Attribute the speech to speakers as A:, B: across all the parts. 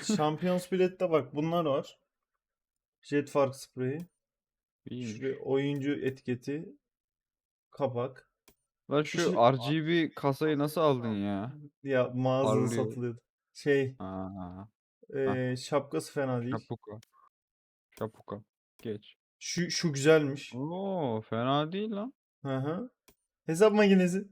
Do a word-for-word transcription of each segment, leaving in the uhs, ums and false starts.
A: Champions bilette bak bunlar var. Jet fark spreyi. Şuraya
B: İyiymiş.
A: oyuncu etiketi. Kapak.
B: Lan şu
A: Şu
B: R G B kasayı nasıl aldın ya?
A: ya mağazada
B: Parlıyor.
A: satılıyordu. Şey
B: Aa, hah.
A: eee, şapkası fena değil.
B: Şapuka. Şapuka. Geç.
A: Şu şu güzelmiş.
B: Oo, fena değil lan.
A: Hı hı. Hesap makinesi.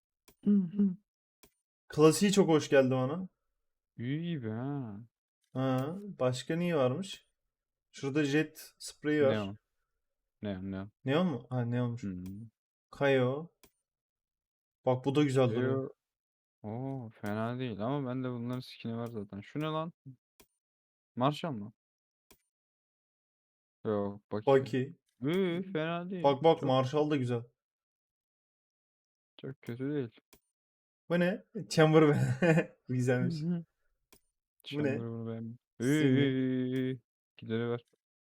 A: Klasiği çok hoş geldi bana.
B: İyi gibi ha.
A: Ha, başka niye varmış? Şurada jet spreyi var.
B: Neon. Neon neon.
A: Neon mu? Ha neonmuş.
B: Hmm.
A: Kayo. Bak bu da güzel duruyor.
B: Yo. Oo, fena değil ama bende bunların skin'i var zaten. Şu ne lan? Marshall mı? Yok, Baki.
A: Baki.
B: Üü, fena değil.
A: Bak bak
B: Çok
A: Marshall da güzel.
B: çok kötü değil.
A: Bu ne? Chamberlain. Bu
B: Hı
A: güzelmiş.
B: hı.
A: Bu ne?
B: Chamber bunu beğendim.
A: Simi.
B: Üü, gideri ver.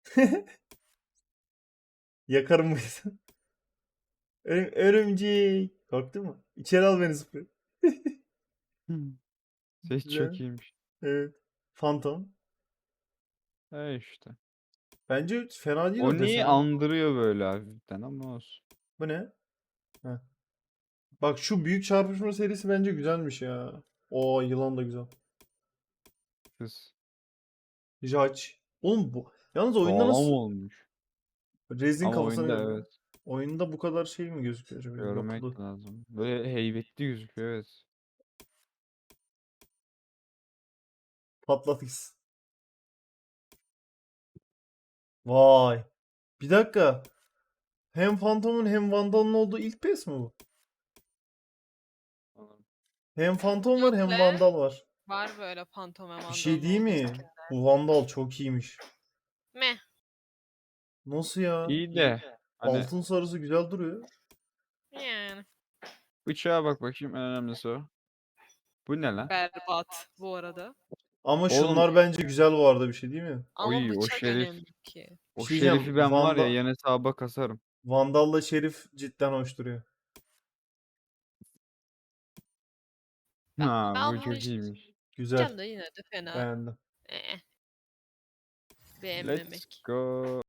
A: Yakarım bu yüzden. Örüm, örümcek. Korktun mu? İçeri al beni sprey.
B: Hı. Ses çok
A: Güzel.
B: iyiymiş.
A: Evet. Phantom.
B: E işte.
A: Bence fena değil o
B: Oni'yi
A: desen.
B: andırıyor böyle hafiften ama olsun.
A: Bu ne? Heh. Bak şu büyük çarpışma serisi bence güzelmiş ya. O yılan da güzel.
B: Kız.
A: Judge. Oğlum bu. Yalnız oyunda
B: Sağlam
A: nasıl
B: olmuş.
A: Rez'in
B: Ama
A: kafasına
B: oyunda
A: benziyor.
B: evet.
A: Oyunda bu kadar şey mi gözüküyor acaba? Yapılı.
B: Görmek lazım. Böyle heybetli gözüküyor evet.
A: Patlat gitsin. Vay. Bir dakika. Hem Phantom'un hem Vandal'ın olduğu ilk pes mi bu?
B: Anladım.
A: Hem Phantom var
C: Yok
A: hem
C: le.
A: Vandal var.
C: Var böyle Phantom ve
A: Bir şey
C: Vandal'ın
A: değil
C: olduğu
A: mi?
C: skinler.
A: Bu Vandal çok iyiymiş.
C: Meh.
A: Nasıl ya?
B: İyi de hani
A: Altın sarısı güzel duruyor.
C: Yani.
B: bıçağa bak bakayım en önemlisi o. Bu ne lan?
C: Berbat bu arada.
A: Ama
B: Oğlum
A: şunlar bence güzel bu arada bir şey değil mi?
C: Ama
B: oy o
C: bıçak
B: şerif.
C: önemli ki.
A: Bir
B: O
A: şey
B: şerifi
A: diyeceğim.
B: ben var ya
A: Vanda,
B: yan hesaba kasarım.
A: Vandal'la Şerif cidden hoş duruyor.
C: Ben,
B: Ha
C: ben
B: bu
C: bunu
B: çok iyiymiş.
A: Güzel.
C: isteyeceğim de yine de fena.
A: Beğendim.
C: Eh,
B: Let's
C: beğenmemek.
B: go.